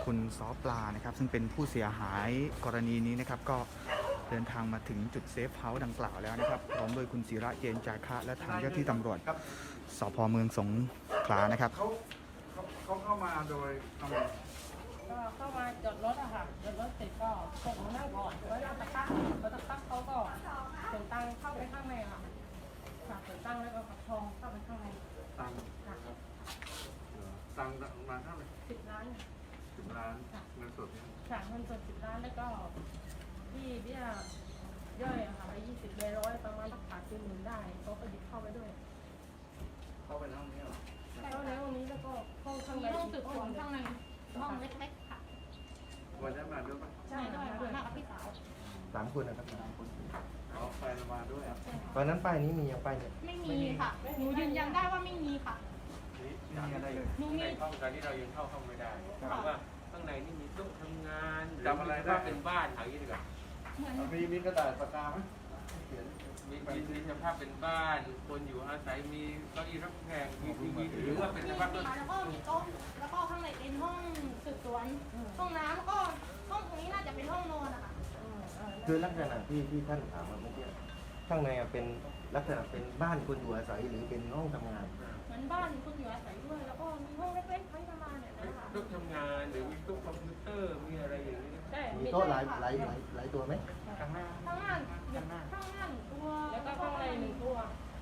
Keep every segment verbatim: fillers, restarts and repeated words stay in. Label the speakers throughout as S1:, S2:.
S1: คุณซอปลานะครับซึ่งเป็นผู้เสียหายกรณีนี้นะครับก็เดินทางมาถึงจุดเซฟเฮาส์ดังกล่าวแล้วนะครับพร้อมโดยคุณศิระเจนจาคะและทางเจ้าที่ตำรวจสพเมืองสงขลานะครับ
S2: เขาเขาเขาเข้ามาโดยทำไม
S3: ก็เข้ามาจอดรถอะค่ะจอดรถเสร็จก็ส่งมานั่งก่อนแล้วก็ตะกักแล้วตะกักเขาก็เสียงตังเข้าไปข้างในค่ะค่ะเสียงตังแล้วก็ขับทองเข้าไปข้างใน
S2: ตัง
S3: ค่ะ
S2: ตังมาเท่าไหร่
S3: สิบล้าน
S2: สิบล้านเงินสดเนี่ย
S3: ค่ะเงินสดสิบล้านแล้วก็ที่เบี้ยย่อยอะค่ะไปยี่สิบใบร้อยประมาณสักขาดสี่หมื่นได้เขาก็ยึดเข้าไปด้วย
S2: เข้าไปในห้องนี้เหรอ
S3: เข้าในห้องนี้แล้วก็ห้องข้างใน
S4: ห้องสืบสวนข้างในห้องเล็กๆค่ะ
S2: วันนั้นมาด้วยปะ
S4: ใช่ด้วยมากับพี่สาว
S5: สามคนนะครับสามคน
S2: อ๋อไปมาด้วย
S5: ตอนนั้นป้ายนี้มีอย่างป้ายเนี่ย
S4: ไม่มีค่ะหนูยืนยันได้ว่าไม่มีค่ะ
S2: ไม่มีอะไรเลย
S4: หนูมี
S6: ห้องตอนนี้เรายังเข้าห้องไม่ได้เพราะว่าข้างในนี่มีโต๊ะทำงาน
S2: จำอะไรได้
S6: เป็นบ้านอย่างนี้ดีกว่า
S2: มีมีกระดาษปากกาไหม
S6: มีมีสภาพเป็นบ้านคนอยู่อาศัยมีเก้าอี้รับแขกมีทีวีหรือว่าเป็นสภาพต้น
S4: แล้วก็มีโต๊ะแล้วก็ข้างในเป็นห้องสืบสวนห้องน้ำแล้วก็ห้องตรงนี้น่าจะเป็นห้องนอนนะคะ
S5: คือลักษณะที่ที่ท่านถามมาเมื่อกี้ข้างในเป็นลักษณะเป็นบ้านคนอยู่อาศัยหรือเป็นห้องทำงาน
S4: เหมือนบ้านคนอยู่อาศัยด้วยแล้วก็มีห้องเล็กๆไว้ทำงานเนี่ยนะคะ
S6: โต๊ะทำงานหรือมีโต๊ะคอมพิวเตอร์มีอะไรอย่างนี้
S3: ใช่
S5: มีโต๊ะหลายหลายหลายหลายตัวไหม
S6: ข้างหน้า
S4: ข้างล่างข้างล่างข้างล่างตัว
S3: แล้วก็ข้างในหนึ่งตัว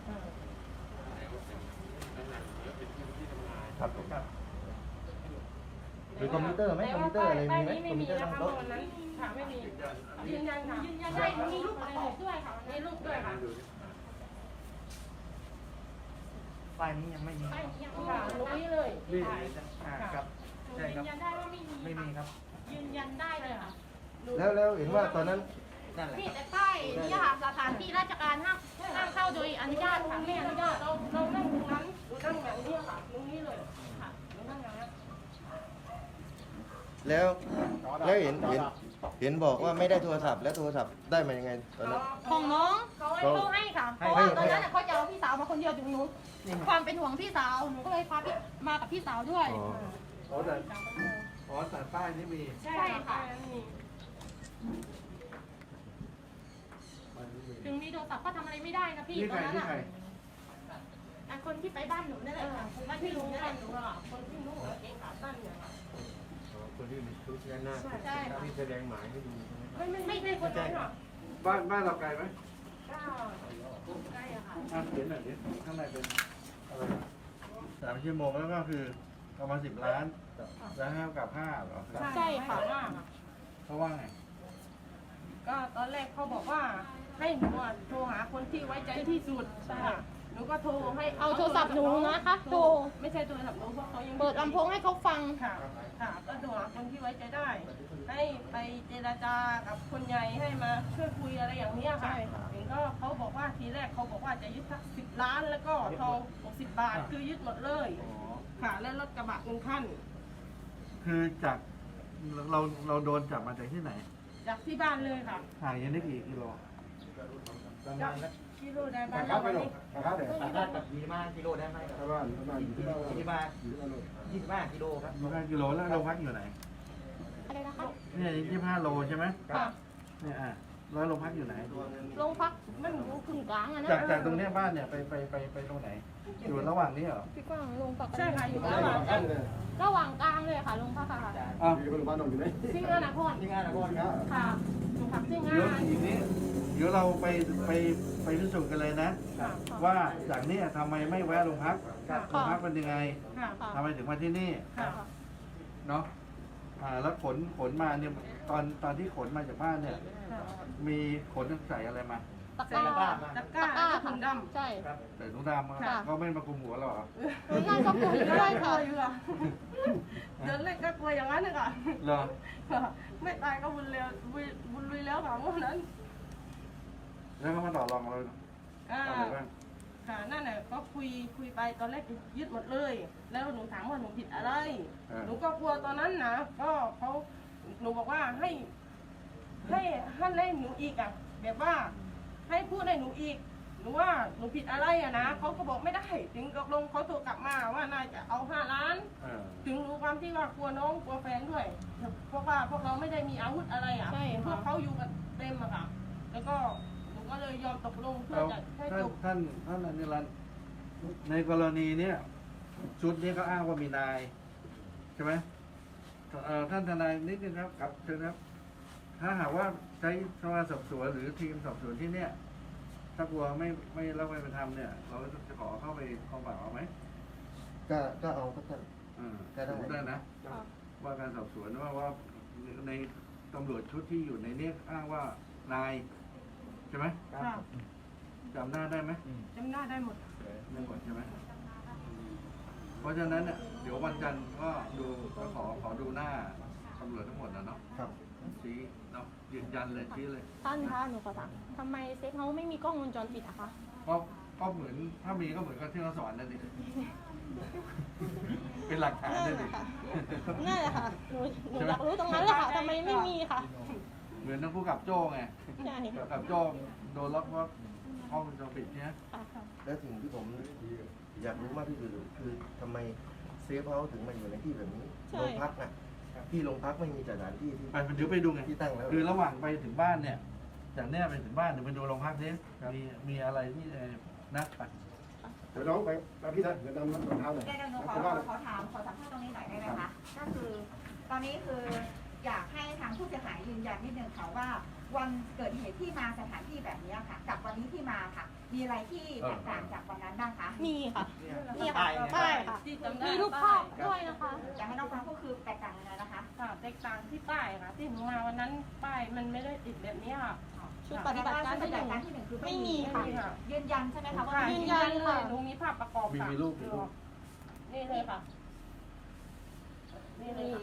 S6: เป็นที่ที่ทำงาน
S5: ครับผมมีคอมพิวเตอร์ไหมคอมพิวเตอร์อะไรมีไหมคอมพิวเตอร์ตั้งโต๊ะ
S3: ค่ะไม่มียืนยันค่ะ
S4: ยืนยันได้มีรูปประกอบด้วยค่ะ
S3: มีรูปด้วยค่ะ
S1: ป้ายนี้ยังไม่มี
S4: ป้ายนี้ยัง
S3: ค่ะรู้นี่เลย
S2: นี่
S1: ครับ
S4: ใช่ครับยืนยันได้ว่าไม่มี
S1: ไม่มีครับ
S4: ยืนยันได้เลยค่ะ
S5: แล้วแล้วเห็นว่าตอนนั้น
S4: นี่แต่ป้ายนี่ค่ะสถานที่ราชการห้ามห้ามเข้าโดยอนุญาตค่ะไม่อนุญาต
S3: เราเรานั่งตรงนั้นเรานั่งแบบนี้ค่ะตรงนี้เลยค่ะเรานั่งอย่างนี้
S5: แล้วแล้วเห็นเห็นเห็นบอกว่าไม่ได้โทรศัพท์แล้วโทรศัพท์ได้มายังไงตอนนั้น
S4: ของน้องเขาให้ค่ะเพราะว่าตอนนั้นเขาจะเอาพี่สาวมาคนเดียวถึงหนูความเป็นห่วงพี่สาวหนูก็เลยพาพี่มากับพี่สาวด้วย
S2: อ๋อแต่อ๋อแต่ป้ายนี้มี
S4: ใช่ค่ะถึงมีโทรศัพท์ก็ทำอะไรไม่ได้นะพี่ตอนนั้นอ่ะคนที่ไปบ้านหนูนั่นแหละค่ะ
S3: บ้านที่รู้บ้านหนูอ่ะคนที่รู้เองขาสั้นเนี่ยค่ะ
S6: คนที่มีชุดด้านหน้าที่แสดงหมายให้ดูใช่ไหม
S3: ไม่ไม่ไม่ใช่คนนั้นหรอก
S2: บ้านบ้านเราไกลไหม
S3: ก็ใกล้อะค่ะ
S2: อ่าเขียนหน่อยดิข้างในเป็นอะไรสามชั่วโมงแล้วก็คือประมาณสิบล้านแล้วห้ากับห้าเหรอ
S4: ใช่ค่ะ
S2: เขาว่าไง
S3: ก็ตอนแรกเขาบอกว่าให้หนูโทรหาคนที่ไว้ใจที่สุดใช่หนูก็โทรให้
S4: เอาโทรศัพท์หนูนะคะโทร
S3: ไม่ใช่โทรศัพท์หนูเพราะเขายัง
S4: เปิดลำโพงให้เขาฟัง
S3: ค่ะค่ะก็โทรหาคนที่ไว้ใจได้ให้ไปเจรจากับคนใหญ่ให้มาช่วยคุยอะไรอย่างนี้ค่ะเห็นก็เขาบอกว่าทีแรกเขาบอกว่าจะยึดสักสิบล้านแล้วก็ทองหกสิบบาทคือยึดหมดเลยค่ะแล้วรถกระบะหนึ่งคัน
S2: คือจากเราเราโดนจับมาจากที่ไหน
S3: จากที่บ้านเลยค่ะ
S2: ห่างยังได้กี่กิโล
S3: ประมาณกิโลได้บ้าน
S5: เราวันนี้
S1: ครับเดี๋ยวสามารถกับยี่สิบห้ากิโลได้ไหมครับ
S2: ประมาณประมาณยี่สิบห้า
S1: ยี่สิบห้ากิโลครับ
S2: ยี่สิบห้ากิโลแล้วเราพักอยู่ไหน
S4: อะไรนะคะ
S2: เนี่ยยี่สิบห้าโลใช่ไหม
S4: ค่ะ
S2: เนี่ยอ่ะแล้วเราพักอยู่ไหน
S4: โรงพักมันอยู่กึ่งกลางอะนะ
S2: จากจากตรงนี้บ้านเนี่ยไปไปไปไปตรงไหนอยู่ระหว่างนี้เหรอ
S4: พี่กว้างโรงพัก
S3: ใช่ค่ะอยู่ระหว่างกลาง
S4: ระหว่างกลางเลยค่ะโรงพักค่ะ
S2: อ้าวอยู่โรงพยาบาลอยู่ไหน
S4: ที่งานนคร
S1: ที่งานนครครับ
S4: ค่ะโรงพักที่งาน
S2: เดี๋ยวอีกนี้เดี๋ยวเราไปไปไปพิสูจน์กันเลยนะว่าจากนี้ทำไมไม่แวะโรงพักโรงพักเป็นยังไงทำไมถึงมาที่นี่เนาะอ่าแล้วขนขนมาเนี่ยตอนตอนที่ขนมาจากบ้านเนี่ยมีขนใส่อะไรมา
S4: ตะกร้า
S3: ตะกร้าถุงด
S4: ำใช่
S2: ใส่ถุงดำก็ไม่มาคุมหัวหรอ
S4: นั่นก็คุมด้วยค่ะ
S3: เดินเล่นก็กลัวอย่างนั้นเลยค่ะ
S2: เหรอ
S3: ไม่ตายก็บุญเร็วบุญลุยแล้วค่ะเมื่อนั้น
S2: แล้วก็มาต่อรองเราอะไรบ้าง
S3: ค่ะนั่นแหละก็คุยคุยไปตอนแรกยึดหมดเลยแล้วหนูถามว่าหนูผิดอะไรหนูก็กลัวตอนนั้นนะก็เขาหนูบอกว่าให้ให้ให้หนูอีกอ่ะแบบว่าให้พูดให้หนูอีกหนูว่าหนูผิดอะไรอะนะเขาก็บอกไม่ได้ถึงตกลงเขาโทรกลับมาว่าน่าจะเอาห้าล้าน
S2: เออ
S3: ถึงรู้ความที่ว่ากลัวน้องกลัวแฟนด้วยเพราะว่าพวกเราไม่ได้มีอาวุธอะไรอ่ะ
S4: ใช่
S3: เห็นพวก
S4: ค่ะ
S3: เขาอยู่กันเต็มอะค่ะ แล้วก็หนูก็เลยยอมตกลงเพื่อ
S2: แล้ว
S3: จะให้
S2: ท่าน
S3: จบ
S2: ท่านท่านอนิรันต์ในกรณีเนี้ยชุดนี้ก็อ้างว่ามีนายใช่ไหมเอ่อท่านทนายนิดนึงครับครับเชิญครับ ถ้าหากว่าใช้สภาสอบสวนหรือทีมสอบสวนที่เนี้ยถ้ากลัวไม่ไม่รับไม่เป็นธรรมเนี่ย เราจะขอเข้าไปกองปราบเอาไหม
S5: ก็ก็เอาก็ท่าน
S2: อ่า
S5: ก็ได้
S2: สมมุติได้นะ ว่าการสอบสวนว่าว่าในตำรวจชุดที่อยู่ในเนี้ยอ้างว่านายใช่ไหม
S3: ค่ะ
S2: จำหน้าได้ไหม
S3: จำหน้าได้หมด
S2: ไม่หมดใช่ไหมเพราะฉะนั้นเนี่ยเดี๋ยววันจันทร์ก็ดูก็ขอขอดูหน้าตำรวจทั้งหมดนะเนาะ
S5: ครับ
S2: ชี้เนาะยืนยันเลยชี้เลย
S4: ท่านคะหนูขอถามทำไมเซฟเฮาส์ไม่มีกล้องวงจรปิดอะคะ
S2: ก็ก็เหมือนถ้ามีก็เหมือนกับที่เราสอนนั่นดิ เป็นหลักฐาน
S4: นั่
S2: นั่
S4: น
S2: น
S4: แห
S2: ดิ
S4: ละค่ะนั่นแหละค่ะหนูหนูอยากรู้ตรงนั้นเลยค่ะทำไมไม่มีค่ะ
S2: เหมือนนักผู้กับโจ้ไง
S4: ใช่
S2: ผู้กับโจ้โดนล็อกว่าห้องวงจรปิดเนี่ย
S4: ค่ะ
S5: แล้วสิ่งที่ผมอยากรู้มากที่สุดคือทำไมเซฟเฮาส์ถึงมาอยู่ในที่แบบนี้โรงพักอ่ะที่โรงพักไม่มีสถานที่ที่
S2: ไปเดี๋ยวไปดูไง
S5: ที่ตั้งแล้ว
S2: คือระหว่างไปถึงบ้านเนี่ย จากเนี้ยไปถึงบ้านเดี๋ยวไปดูโรงพักนี้มีมีอะไรที่เอ่อนัดไป
S7: เดี๋ยวน้องไปไปพี่นะเดี๋ยวนำรองเท้าหน่อย
S8: เดี๋ยวหนูขอ
S7: ไป
S8: ข
S7: บ้า
S8: อน ขอถามขอสัมภาษณ์ตรงนี้หน่อยได้ไหมคะ ก็คือ ตอนนี้คืออยากให้ทางผู้เสียหายยืนยันนิดนึงค่ะว่า วันเกิดเหตุที่มาสถานที่แบบนี้ค่ะ กับวันนี้ที่มาค่ะ มีอะไรที่แตกต่างจากวันนั้นบ้างคะ
S4: มีค่ะนี่ค่ะป้ายค่ะ
S3: ที่จำได้
S4: มีรูปภาพด้วยนะคะ
S8: อยากให้น้องฟังก็คือแตกต่างยังไงนะคะ
S3: ค่ะแตกต่างที่ป้ายค่ะ ที่หนูมาวันนั้นป้ายมันไม่ได้ติดแบบนี้ค่ะ
S4: ชุดปฏิบัติการ
S8: ป
S4: ที่
S8: ฏิ
S4: ห
S8: บั
S4: นึ่ง
S8: ติการที่หนึ่งคือ
S4: ไม่
S8: ไม่
S4: มี
S8: มี
S4: ค่ะ
S8: ค่ะ ยืนยันใช่ไหมคะว่า
S3: ค่ะ
S8: ไม่
S3: ยื
S8: มี
S3: นยันเลยหนูมีภาพประกอบ
S2: มี
S3: ค่ะ
S2: มีรูปมีรูป
S3: นี่เลยค่ะ นี่เลยค่ะ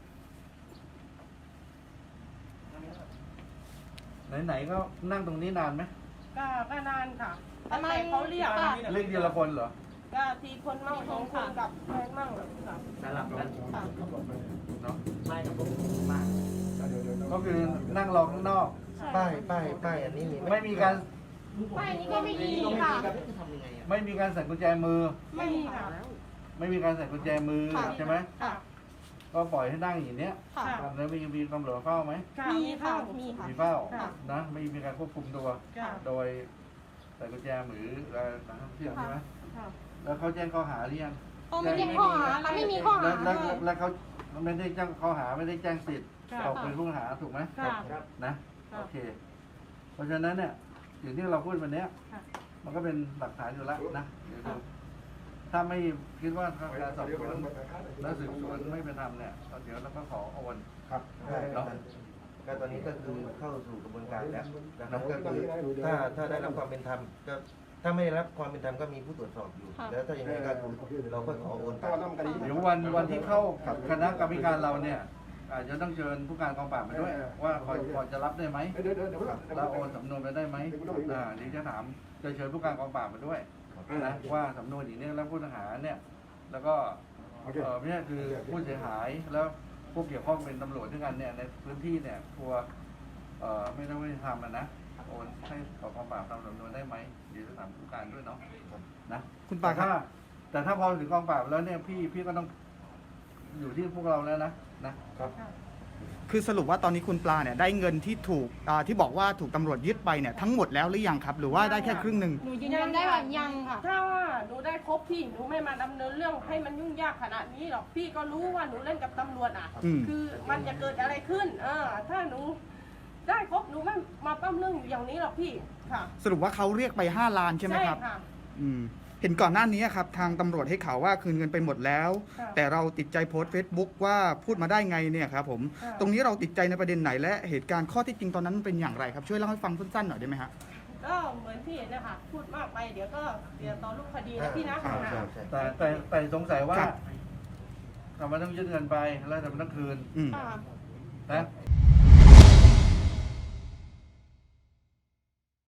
S2: ไหนๆก็นั่งตรงนี้นานไหม
S3: ก็ก็นานค่ะ
S4: ประมาณ
S3: แต่เขาเรียกค่ะ
S2: เรียกทีละคนเหรอ
S3: ก็ทีคนมั่งสองคนกับแฟนมั่งค่ะ
S6: สลับกัน
S4: ค่ะ
S2: เนาะ
S6: ไม่ครับผมมาก
S7: เดี๋ยวเดี๋ยวเดี๋ยว
S2: ก็คือนั่งรอข้างนอก
S5: ป้ายป้ายป้ายอันนี้มีห
S2: ไม่มีการ
S4: ป้ายนี้ก็ไม่มีค่ะ
S6: ทำยังไงอ่ะ
S2: ไม่มีการใส่กุญแจมือ
S3: ไม่มีค่ะ
S2: ไม่มีการใส่กุญแจมือ
S4: ค่ะ
S2: ใช่ไหม
S3: ค่ะ
S2: ก็ปล่อยให้นั่งอย่างเนี้ย
S4: ค่ะ
S2: แล้วมีมีตำรวจเฝ้าไหม
S3: ค่ะ
S4: มีค่ะ มีค่ะ
S2: มีเฝ้า
S3: ค่ะ
S2: นะไม่มีการควบคุมตัว
S3: ค่ะ
S2: โดยใส่กุญแจมืออะไรนักท่องเที่ยวใช่ไหม
S3: ค่ะ
S2: แล้วเขาแจ้งข้อหาหรือยัง
S4: เขาไม่ได้ข้อหามันไม่มีข้อ
S2: แล้ว
S4: หา
S2: แล้ว
S4: ด้วย
S2: แล้วเขาไม่ได้แจ้งข้อหาไม่ได้แจ้งสิทธิ์
S3: ค่ะ
S2: ตกเป็นผู้ต้องหาถูกไหม
S3: ค่ะ
S2: นะ
S3: ค่ะ
S2: โอเค เพราะฉะนั้นเนี่ยสิ่งที่เราพูดวันเนี้ย
S3: ค่ะ
S2: มันก็เป็นหลักฐานอยู่แล้วนะเดี๋ยวดูถ้าไม่คิดว่าการสอบสวนและสืบสวนไม่เป็นธรรมเนี่ยเดี๋ยวเราก็ขอโอน
S7: ครับ
S5: ได้ครับก็ตอนนี้ก็คือเข้าสู่กระบวนการแล้วนะครับก็คือถ้าถ้าได้รับความเป็นธรรมก็ถ้าไม่ได้รับความเป็นธรรมก็มีผู้ตรวจสอบอยู่
S4: ค่ะ
S5: แล้วถ้าอย่างนี้ก็คือเราก็ขอโอนไป
S7: ต้องต้องกันดี
S2: เดี๋ยววันวันที่เข้าคณะกรรมการเราเนี่ยอาจจะต้องเชิญผู้การกองปราบมาด้วย ว่าพอพอจะรับได้ไหม
S7: เดี๋ยวเดี๋ยวเดี๋ยว
S2: เราโอนสำนวนไปได้ไหมอ่าเดี๋ยวจะถามจะเชิญผู้การกองปราบมาด้วยนะว่าสำนวนอย่างนี้แล้วผู้ต้องหาเนี่ยแล้วก็
S7: โอเค
S2: เออเนี่ยคือผู้เสียหายแล้วผู้เกี่ยวข้องเป็นตำรวจด้วยกันเนี่ยในพื้นที่เนี่ยกลัวเอ่อไม่ได้ไม่ทำอ่ะนะโอนให้ขอกองปราบทำสำนวนได้ไหมเดี๋ยวจะถามผู้การด้วยเนาะนะ
S1: คุณปาครับ
S2: แต่ถ้แต่ถ้าพอถึงกองปราบแล้วเนี่ยพี่พี่ก็ต้องอยู่ที่พวกเราแล้วนะนะครับ
S1: คือสรุปว่าตอนนี้คุณปลาเนี่ยได้เงินที่ถูกอ่าที่บอกว่าถูกตำรวจยึดไปเนี่ยทั้งหมดแล้วหรือยังครับ หรือว่าได้แค่ครึ่งหนึ่ง
S4: หนูยืนยันได้ว่ายังค่ะ
S3: ถ้าว่าหนูได้ครบพี่หนูไม่มาดำเนินเรื่องให้มันยุ่งยากขนาดนี้หรอกพี่ก็รู้ว่าหนูเล่นกับตำรวจอ่ะ
S1: อืม
S3: คือมันจะเกิดอะไรขึ้น เออ ถ้าหนูได้ครบหนูไม่มาปั้มเรื่องอยู่อย่างนี้หรอกพี่ค่ะ
S1: สรุปว่าเขาเรียกไปห้าล้านใช่ไหมครับ
S3: ค่ะ
S1: อืมเห็นก่อนหน้านี้ครับทางตำรวจให้ข่าวว่าคืนเงินไปหมดแล้ว
S3: ค่ะ
S1: แต่เราติดใจโพสต์ Facebook ว่าพูดมาได้ไงเนี่ยครับผม
S3: ค่ะ
S1: ตรงนี้เราติดใจในประเด็นไหนและเหตุการณ์ข้อที่จริงตอนนั้นมันเป็นอย่างไรครับช่วยเล่าให้ฟังสั้นๆหน่อยได้ไหมฮะ
S3: ก็เหมือนพี่เนะคะพูดมากไปเดี๋ยวก็เดี๋ยวต่อรูปคดีนะพี่นะ
S5: ใช่ใช่ใช่
S2: แต่แต่แต่สงสัยว่า
S1: ครับ
S2: ทำไมต้องยึดเงินไปแล้วทำไมต้องคืน
S1: อืม
S4: ค่ะ
S2: นะ